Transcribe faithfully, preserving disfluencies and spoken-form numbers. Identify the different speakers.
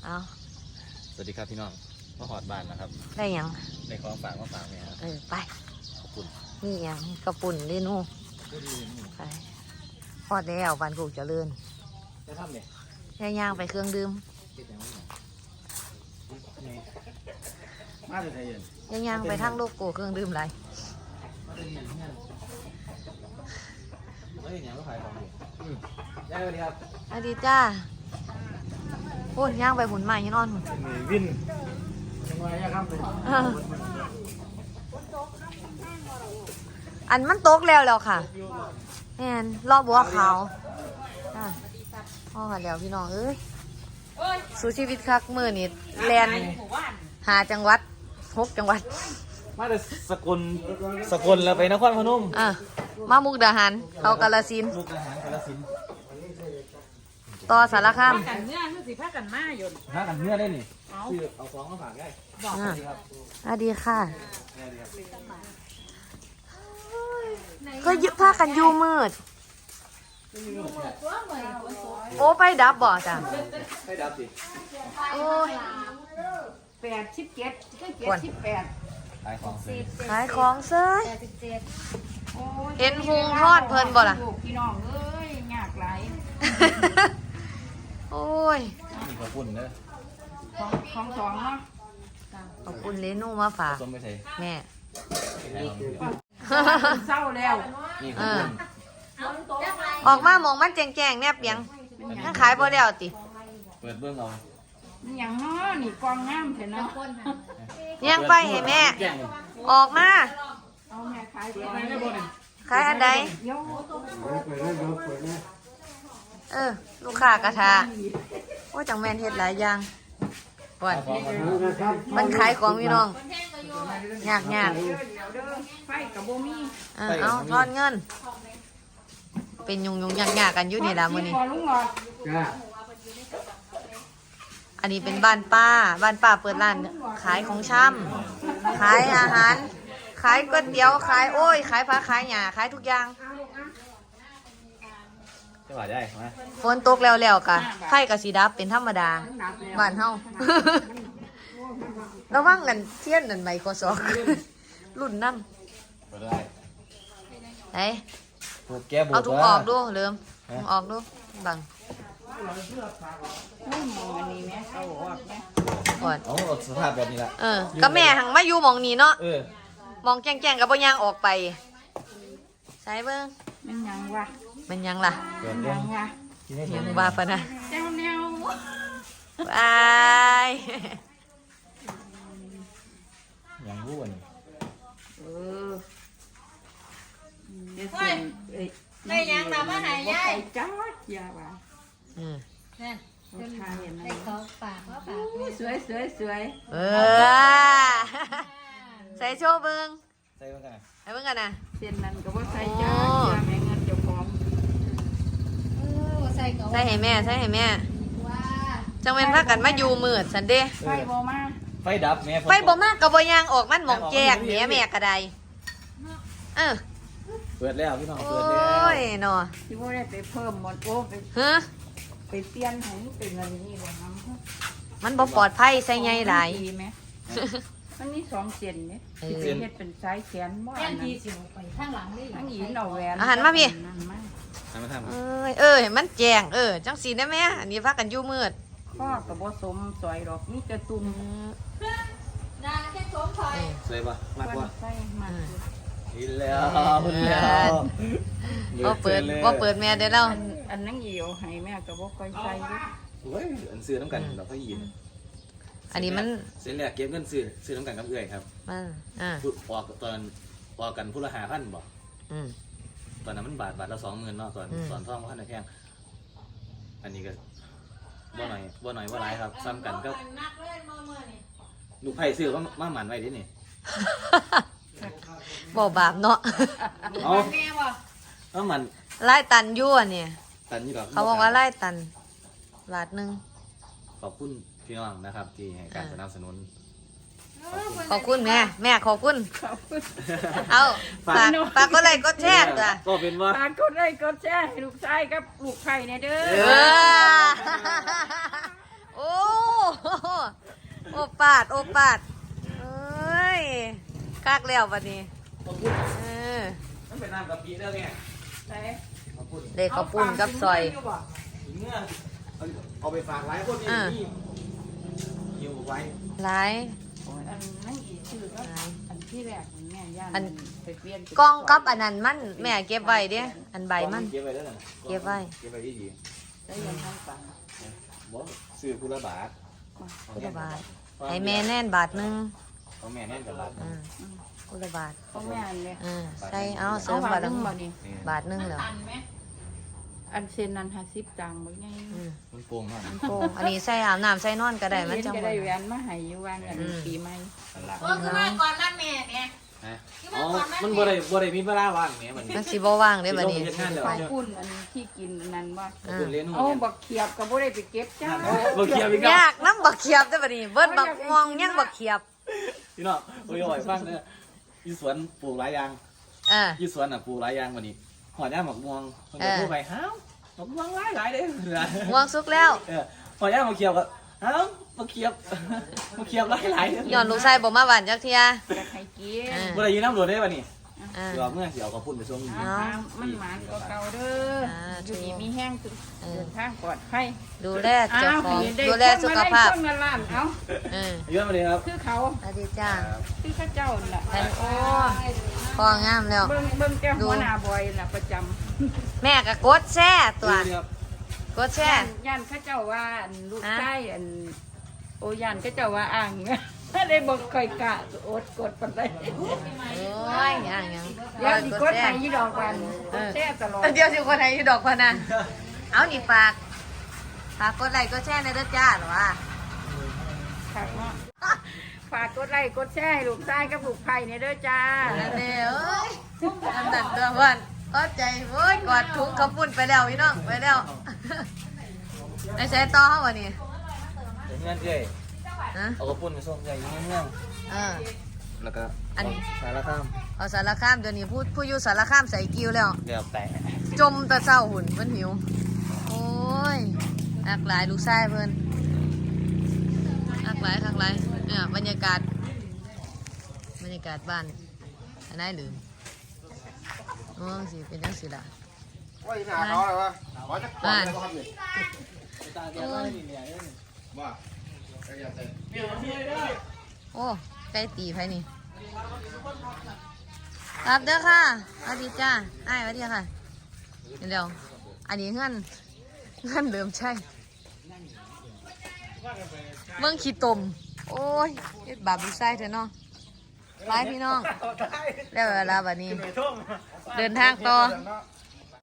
Speaker 1: เอา
Speaker 2: สวัสดีครับพี่น้องมาหอดบ้านนะครับ
Speaker 1: ได้ยัง
Speaker 2: ในของฝากมาฝากเนี่ยครับ
Speaker 1: เออไป
Speaker 2: ขอบคุณ
Speaker 1: นี่ยังกระปุ่นเรนูไปหอดแล้วบ้านกูเจริญ
Speaker 2: จะทำเนี่ย
Speaker 1: ย่างย่างไปเครื่องดื่ม
Speaker 2: มาเลยเย็น
Speaker 1: ย่างย่างไปทางโลกโก้เครื่องดื่มไร
Speaker 2: มาเลยเย็นเนี่ยมาเลยเนี่ยมาขายของอยู่อืมได้เลยครับ
Speaker 1: สวัสดีจ้าโอ้ยย่างไปหุ่นใหม่ยังนอนหุ่น
Speaker 2: วินยังไงครับ
Speaker 1: อันมันตกแล้วแล้วค่ะแอนรอบบัวขาวพ่อกันแล้วพี่น้องเอ้ยสู้ชีวิตคักมือนี่แลนหาจังหวัดหกจังหวัด
Speaker 2: มาแต่สกลสกลแล้วไปนครพนม
Speaker 1: อ่ะมามุกดาหารเขากาฬสินธุ์
Speaker 2: มุกดาหารกาฬสินธุ์
Speaker 1: ต่อสารคาม
Speaker 3: กันเนื้อคือสิพากันมาหยด
Speaker 2: พากันเนื้อได้นี่ซื้อเอาของมาฝากได้
Speaker 1: บอกสวัสดีค่ะก็ยึดผ้ากันยูมืดโอ้ไปดับบ่จ้ะ
Speaker 2: ไปดับสิ
Speaker 1: โอ้ย
Speaker 3: แปดสิบเจ็ดก็เจ็ดสิบแปด
Speaker 2: ขายของเซ้
Speaker 1: ขายของเซ้ยเห็นหุงทอดเพลินบ่ล่ะ
Speaker 3: พี่น้องเอ้ยยากหลาย
Speaker 1: โอ้ย
Speaker 2: มีขอบคุณเด้อ
Speaker 3: ของของสองเนาะ
Speaker 1: ขอบคุณเลนูมาฝากแม่
Speaker 3: เศร้าแล้ว
Speaker 2: นี่ขอบคุณ
Speaker 1: ออกมามองมันแจงๆแนบยังนั่งขายบ่แล้วติ
Speaker 2: เปิดเบื้องเอา
Speaker 3: อย่างน้อนี่กองงามเถอะเนาะ
Speaker 1: ยังไปให้แม่ออกมา
Speaker 3: เอาแม่ขาย
Speaker 1: ขายอันใดเออลูกค้ากระทาโอ้จังแมนเฮ็ดหลายอย่างก่อนมันขายของพี่น้องยากยาก
Speaker 3: ไฟกับโบมี่
Speaker 1: เออเอาทอนเงินเป็นยุงยุงยากยากกันอยู่นี่ละมื้อนี้อันนี้เป็นบ้านป้าบ้านป้าเปิดร้านขายของชำขายอาหารขายก๋วยเตี๋ยวขายโอ้ยขายผักขายหญ้าขายทุกอย่าง
Speaker 2: จะว่าได้ไหม
Speaker 1: ฝนตกแล้วแล้วกะไข่กับสีดับเป็นธรรมดาบ้านเฮาระวังกันเทียนนั่นไมโครซอฟท์รุ่นนั่นไหนเอาถุงออกดูเริ่มถุงออกดูบัง
Speaker 3: ไม่มองอันนี้แม่เอาออกแม่
Speaker 1: ก่อน
Speaker 2: อ๋อสภาพแบบนี้ละ
Speaker 1: เออก็แม่หังมาอยู่มองนี้เนาะ
Speaker 2: เออ
Speaker 1: มองแจ้งๆกับบ่ยางออกไปใส่เบิ่ง
Speaker 3: มันยังวะ
Speaker 1: มันยังล่ะ
Speaker 3: ยังวะ
Speaker 1: ยังว่าปะนะ
Speaker 3: เจ้าแนว
Speaker 1: บาย
Speaker 2: ยังรู้อัน
Speaker 3: เออเดี๋ยวส่วนเอ้ยไม่ยังทำอะไรยัยจ้าอย่าว่า
Speaker 1: อืม
Speaker 3: นั่นทานอย่างนั้นเขาปากเขาปากสวยสวยสวย
Speaker 1: เออใส่โชว์เบิ่ง
Speaker 2: ใส่เบิ่งกัน
Speaker 1: ใส่เบิ่งกันนะ
Speaker 3: เส้นนั้นก็ว่าใส่จ้าอย่าแม่เงินเจ้าของ
Speaker 1: ใส่ให้แม่ใส่ให้แม่จังเว้นพากันมาอยู่มืดสันเด้
Speaker 3: ไฟบ่มา
Speaker 2: ไฟดับแม่
Speaker 1: ไฟบ่มากับบ่ยางออกมันหมองแจกแม่แม่กระไดเออ
Speaker 2: เปิดแล้วพี่น้องเปิดแล้ว
Speaker 1: โอ้ยเนาะ
Speaker 3: ที่ว่าได้ไปเพิ่มหมดโอ้ไป
Speaker 1: ฮะ
Speaker 3: ไปเปลี่ยนให้เป็นเงินนี่บ่น้
Speaker 1: ำมันบ่ปลอดภัยใส่ใหญ่หลาย
Speaker 3: มันมีสองเส้นเนี่ยที่เป็นเฮ็ดเป็นสายแขนบ่อันนั้นไปข้างหลังนี่ข้างหญิงเอาแหวน
Speaker 1: อาหารมาพี่
Speaker 2: เอ
Speaker 1: อเออเห็นมันแจงเออจังสีได้ไหมอันนี้พากันอยู่มืด
Speaker 3: ข้อกับบ่สมสวยดอกนี่จะตุ่ม
Speaker 2: นาแค่สมถอยสวยปะมากกว่า
Speaker 3: ใช่มาก
Speaker 2: อีแล้วอีแล้ว
Speaker 1: ว่าเปิดว่าเปิดแม่ได้แล้ว
Speaker 3: อันนั่งเหี่ยวให้แม่กับบ่ค่อยใส่
Speaker 2: โอ้ยอันซื้อน้ำกันเราก็ยิน
Speaker 1: อันนี้มัน
Speaker 2: เส้นแรกเก็บเงินซื้อซื้อน้ำกันกับเอื่อยครับ
Speaker 1: อ่า
Speaker 2: ออกตอนออกกันผู้ละหาพันบ่ตอนนั้นมันบาทบาทละสองหมื่นเนาะตอนตอนท่องพันในแพงอันนี้ก็บ่หน่อยบ่หน่อยบ่หลายครับซ้ำกันก็ลูกไผ่ซื้อก็มาหมันไว้ดินี่
Speaker 1: บ่บาปเนาะ
Speaker 2: เอาเอามัน
Speaker 1: ไล่ตันยั่วเนี่ย
Speaker 2: ตันยี่หรอ
Speaker 1: เขาบอกว่าไล่ตันบาทหนึ่ง
Speaker 2: ขอบคุณพี่น้องนะครับที่ให้การสนับสนุน
Speaker 1: ขอบคุณแม่แม่ขอบคุณเอาฝากฝากก็ไลค์ก็แชร์จ้ะ
Speaker 2: ก็เป็นว่า
Speaker 3: ฝากกดไลค์กดแชร์ให้ลูกชายกับลูกไผ่เนี่ยเด้อ
Speaker 1: โอ้โอปาดโอปาดเอ้ยคักแล้วบัดนี้
Speaker 2: ขอบคุณ
Speaker 1: เออ
Speaker 2: มันเป็นน้ำกะปิแล้วเนี่ย
Speaker 3: ไหน
Speaker 2: ขอบคุณ
Speaker 1: เด็กข้าวปุ้นกับซอย
Speaker 2: เมื่อเอาเอาไปฝากไว้พวกนี้
Speaker 1: อ่า
Speaker 2: นี่อยู่ไว้
Speaker 1: หลาย
Speaker 3: โอ้ยอันนั่งอีกชื่อก็อันที่แรกของแม่ย่าน
Speaker 1: อัน
Speaker 3: ไปเปลี่ยน
Speaker 1: กล้องกับอันนั้นมันแม่เก็บไว้เด้อันใบมัน
Speaker 2: เก็บไว้แล้วนะ
Speaker 1: เก็บไว้
Speaker 2: เก็บไว้ที่ดี
Speaker 3: ได้ยันทั้งปัง
Speaker 2: บ่ซื้อคุณละบาท
Speaker 1: กุละบาทให้แม่แน่นบาทหนึง
Speaker 2: ของแม่แน่นกับบาท
Speaker 1: อืมกุละบาท
Speaker 3: ของแม่อันเนี่ย
Speaker 1: อืมใส่เอาเสริ
Speaker 3: เอา
Speaker 1: ม
Speaker 3: บา
Speaker 1: บา
Speaker 3: ท
Speaker 1: ท
Speaker 3: ห
Speaker 1: ละ
Speaker 3: นึงบ่นี่
Speaker 1: บาทหนึงแล้ว
Speaker 3: อันเซนนันห้าสิบตังค์บ่ไง
Speaker 1: อืม
Speaker 2: มันโป่งมาก
Speaker 1: โป่งอันนี้ใส่อาบน้ำใส่นอนก็ได้มัน
Speaker 3: เย็น
Speaker 1: จัง
Speaker 3: ก็
Speaker 1: บ่
Speaker 3: ได้แหวนมาให้อยู่วางอันปีใหม่
Speaker 2: นั่นละ
Speaker 4: เออคือมาก่อนนั่นแม่เนี่ย
Speaker 2: ฮะอ๋อมันบ่ได้บ่ได้มีเวลาว่างแหมมัน
Speaker 1: มันสิบ่ว่างเด้บัดนี้
Speaker 2: เฮ็ดงานแล้ว
Speaker 3: ข้าวปุ้นอันที่กินอันนั้นว่า
Speaker 2: ขอบคุณเลี้ยงหนู
Speaker 3: เอา
Speaker 2: เนี่ย
Speaker 3: บักเขียบก็บ่ได้ไปเก็บจ้า
Speaker 2: บ่เคียวอีกแล้ว
Speaker 1: ยากน้ำบักเขียบเด้บัดนี้เบิ้นบักมองยังบักเขียบ
Speaker 2: พี่น้องโอ้ยโอ้ยฟังเด้ออยู่สวนปลูกหลายอย่าง
Speaker 1: เออ
Speaker 2: อยู่สวนน่ะปลูกหลายอย่างวันนี้หอดย่าหมกม่วงมันก็
Speaker 1: เออ
Speaker 2: พูดไปห้าวหมกม่วงหลายหลายเด้อ
Speaker 1: ม่วงสุกแล้ว
Speaker 2: เออหอดย่าหมกเขียวก็ห้าวหมกเขียวหมกเขียวหลายหลายเด้
Speaker 1: ย้อนลูกชายบ่มาบ้านจักเที่ย
Speaker 3: อยากให้กิน
Speaker 1: อ่า
Speaker 2: บ่ได้ยินน้ำหลวดได้ป่ะนี่
Speaker 1: อ่า
Speaker 2: เดี๋ยวเมื่อเดี๋ยวก็พูดไปช่วงนี้
Speaker 3: อ่ามันหมานก็เก่าเด้อ
Speaker 1: อ่า
Speaker 3: อยู่ดีมีแห้งสุด
Speaker 1: เออ
Speaker 3: เดินทางปลอดภัย
Speaker 1: ดูแลเจ้าของ
Speaker 3: อ้วได้
Speaker 1: ดูแลสุขภาพ
Speaker 3: คนมาได้คนละล้านเอา
Speaker 1: เออ
Speaker 2: เยอะมาเลยครับ
Speaker 3: คือเขา
Speaker 1: สวัสดีจ้า
Speaker 3: คือเข้าเจ้าน่ะ
Speaker 1: อันโอ้พองามแล้ว
Speaker 3: เบิ่งเบิ่งแก้
Speaker 1: ดู
Speaker 3: หัวหน้าบอยน่ะประจ
Speaker 1: แม่ก็กดแช่ตัว
Speaker 2: เดี๋ยว
Speaker 1: กด
Speaker 3: ำ
Speaker 1: แช่
Speaker 3: ย่านย่านเข้าเจ้าว่าอันลูก
Speaker 1: ฮะ
Speaker 3: ชายอันโอ้ย่านเข้าเจ้าว่าอ่าง ถ้าได้บอกค่อยกะอดกดปานใด
Speaker 1: โอ้ยยังยัง
Speaker 3: เดี๋ยวสิกด
Speaker 1: แช่
Speaker 3: ให้ยี่ดอกวันกดแช่ตลอด
Speaker 1: เดี๋ยวสิคนไหนดอกพะนันเอานี่ฝากฝากกดไลค์กดแชร์ในเด้อจ้าหรอวะ
Speaker 3: ฝากเนาะฝากกดไลค์กดแชร์ให้ลูกชายกับลูกไผ่เนี่ยเด้อจ้า
Speaker 1: นั่นเด้อเอ้ยอันนั้นตัวเพื่อนเข้าใจโอ้ยกอดถุงกระปุ่นไปแล้วพี่น้องไปแล้วไอ้ใช้ต่อเขาวะนี่
Speaker 2: เดี๋ยวเงื่อนเจ้
Speaker 1: ฮะ
Speaker 2: เอากระปุ่นไปส่งใหญ่ยังเงื่อน
Speaker 1: เออ
Speaker 2: แล้วก็
Speaker 1: อัน
Speaker 2: สารข้าม
Speaker 1: เอาสารคามเดี๋ยวนี้พูดผู้อยู่สารคามใส่กิ้วแล้ว
Speaker 2: เดี๋ยวแต่
Speaker 1: จมแตะเศร้าหุ่นมันหิว โอ้ยอักหลายลูกชายเพิ่นอักหลายอักหลายเนี่ยบรรยากาศ บรรยากาศบ้านอันไหนลืมโอ้สิเป็นจังสิล่ะ
Speaker 5: ว่าอีหนาเขาอะไรวะขอจะก่อนเลยครับนี่
Speaker 2: ตาแกว่านี่เนี่ย
Speaker 5: ว่าไอ้ยาเต้
Speaker 1: โอ้ใกล้ตีไผนี่รับเด้อค่ะสวัสดีจ้าอ้ายสวัสดีค่ะเดี๋ยวอันนี้เงื่อนเงื่อนเดิมใช่เมืองขี้ตมโอ้ยเฮ็ดบาปลูกชายเถอะเนาะไปพี่น้องแล้วเวลาบัดนี้ เดินทางต่อ